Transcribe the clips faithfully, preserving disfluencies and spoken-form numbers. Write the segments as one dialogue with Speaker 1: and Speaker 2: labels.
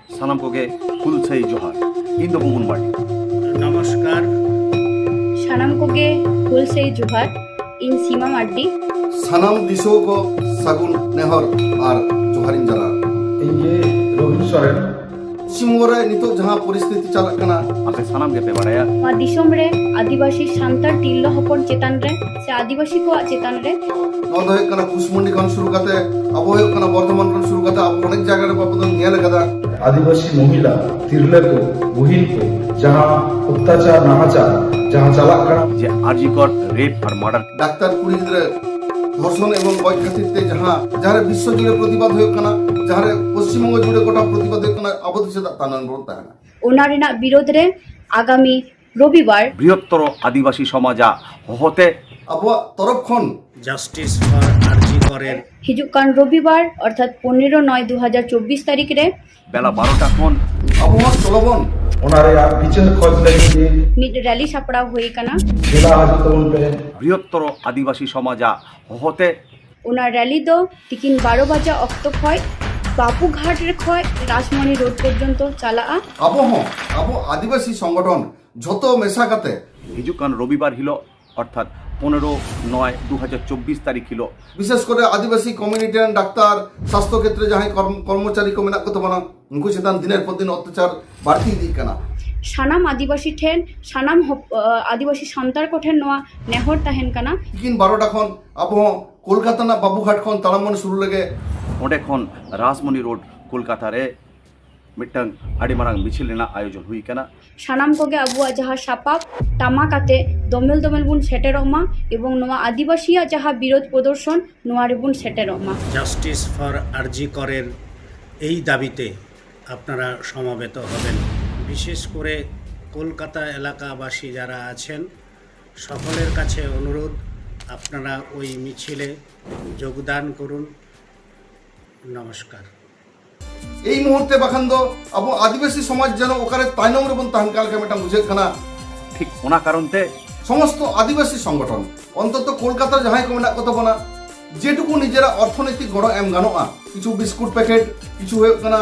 Speaker 1: सानाम कोगे फुलसई जोहार इन दो बुबुन बाड़ी
Speaker 2: नमस्कार
Speaker 3: सानाम कोगे फुलसई जोहार इन सीमा मार्डी
Speaker 4: सानाम दिसो को सागुन नेहर और जोहारिन जला
Speaker 5: इनके रोहित सोरेन
Speaker 4: सिमोरे नितो जहां परिस्थिति चलत कना
Speaker 1: आपे सानाम के पे बाड़ाया
Speaker 3: मा दिसोम रे आदिवासी सांतार तिरलो हपन चेतान रे से आदिवासी को चेतान रे
Speaker 4: नो दो कना कुसमुंडी खन शुरू करते अब हो कना वर्धमान खन शुरू करते अब अनेक जगह रे बाबू नियल कदा
Speaker 5: आदिवासी महिला तिरले को बुहिन को जहां अत्याचार नाहाचार जहां चला कना
Speaker 1: जे आरजीकर रेप और मर्डर
Speaker 4: डाक्तार कुड़ी गिद्रे धर्षण एवं गय खातिर ते जहां जहां विश्व जुड़े प्रतिबाद हो कना जहां पश्चिम बंग जुड़े गोटा प्रतिबाद हो कना अब से तानन बोलता है
Speaker 3: ओना रेना विरोध रे आगामी रविवार
Speaker 1: बृहत्तर आदिवासी समाजा होते
Speaker 4: अब तरफ खन
Speaker 2: जस्टिस फर आरजी करेर
Speaker 3: हिजुक कान रविवार अर्थात पंद्रह नय दो हजार चौबीस तारीख रे
Speaker 1: बेला बारोटा खन
Speaker 4: अब चलबन
Speaker 5: ओनारे आप विचार खोज लगी
Speaker 3: मिड रैली सापड़ा हुई कना
Speaker 5: जिला हाजतवन पे
Speaker 1: बृहत्तर आदिवासी समाजा होते
Speaker 3: ओना रैली दो तिकिन बारो बजा अक्त खय बाबूघाट रे खय राजमणि रोड पर्यंत चला
Speaker 4: अब हो अब आदिवासी संगठन যত মেশা কাতে
Speaker 1: हिजुकान रविवार हिलो अर्थात पंद्रह नय दो हजार चौबीस तारीख हिलो
Speaker 4: বিশেষ করে আদিবাসী কমিউনিটি ডাক্তার স্বাস্থ্য ক্ষেত্রে যাহাই কর্মচারী কো মেনা কত বানা উনকু সেতান দিনের পর দিন অত্যাচার বাড়তি দি কানা
Speaker 3: सानाम आदिवासी ठेन सानाम हप- अ, आदिवासी सांतार को ठेन नोआ नेहर ताहेन कना
Speaker 4: কিন বারোটা খন আব কলকাতা না বাবুঘাট খন তালামন শুরু লাগে
Speaker 1: ओंडे खन राजमणि रोड कोलकाता रे मिट्टंग आड़ी मारांग मिছিল रेना आयोजन हुई कना
Speaker 3: सानाम कोगे अबुआ जहा सापाप टामाकाते दमेल दमेल बुन सेटेरमा एवं नोआ आदिवासिया जहा विरोध प्रदर्शन नोआ रे बुन सेटेरमा
Speaker 2: জাস্টিস ফর আরজি করের এই দাবিতে আপনারা সমাবেত হবেন। বিশেষ করে কলকাতা এলাকাবাসী যারা আছেন সকলের কাছে অনুরোধ আপনারা ওই মিছিলে যোগদান করুন। নমস্কার।
Speaker 4: এই মুহূর্তে বাখান দো আব আদিবাসী সমাজ যেন ওখানে তাইনম রেবন তাহান কালকে মেটা বুঝে কানা
Speaker 1: ठीक ओना कारणते
Speaker 4: সমস্ত আদিবাসী সংগঠন অন্তত কলকাতার যাহাই কো মেনা কত বানা যেটুকু নিজেরা অর্থনৈতিক গড় এম গানোয়া কিছু বিস্কুট প্যাকেট কিছু হয়ে কানা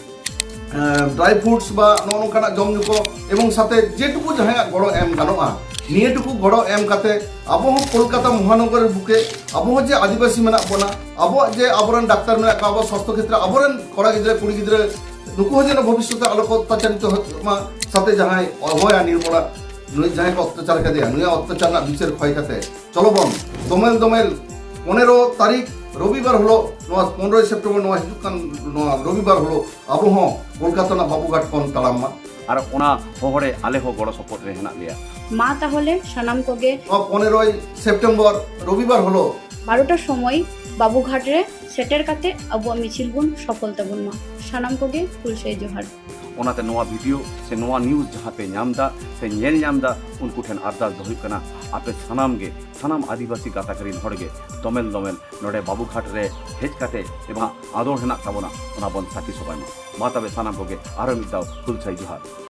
Speaker 4: ড্রাই ফ্রুটস বা ননকানা জমজুকো এবং সাথে যেটুকু যাহাই গড় এম গানোয়া নিয়েটুকু গড় এম কাতে আবহ কলকাতা মহানগরের বুকে আবহ যে আদিবাসী মেনা বনা আবহ যে আবরণ ডাক্তার মেনা আবহ স্বাস্থ্য ক্ষেত্রে আবরণ কড়া গিদ্রে কুড়ি গিদ্রে নুকু যেন ভবিষ্যতে আলোক অত্যাচারিত মা সাথে যাহাই অভয়া নির্মলা নুই যাহাই অত্যাচার কাদে নুই অত্যাচার না বিচার ক্ষয় কাতে চলবন দমেল দমেল পনেরো তারিখ রবিবার হলো নোয়া পনেরোই সেপ্টেম্বর নোয়া হিজুকান নোয়া রবিবার হলো আবহ কলকাতা না বাবুঘাট কোন তালাম্মা
Speaker 1: আর ওনা হহরে আলে হো গড় সপোর্ট রে হেনা লিয়া
Speaker 3: मा ताहले सानाम कोगे
Speaker 4: নোয়া পনেরোই সেপ্টেম্বর রবিবার হলো
Speaker 3: बारोटार समय बाबूघाट रे सेटेर काते अबुआ मिছিল बुन सफलता बुन मा सानाम कोगे फुलसई जोहार
Speaker 1: ओनाते नोआ वीडियो से नोआ न्यूज जहाँ पे नामदा से नेल नामदा उनको ठेन अरदास दोहिक कना आपे सनाम गे सनाम आदिवासी गाता करीन हड़गे दमेल दमेल नोडे बाबूघाट रे हेज काते एबा आदर हेना ताबोना ओना बन साकी सबाय मा मा तबे सनाम कोगे आरो मिदाव फुलसई जोहार।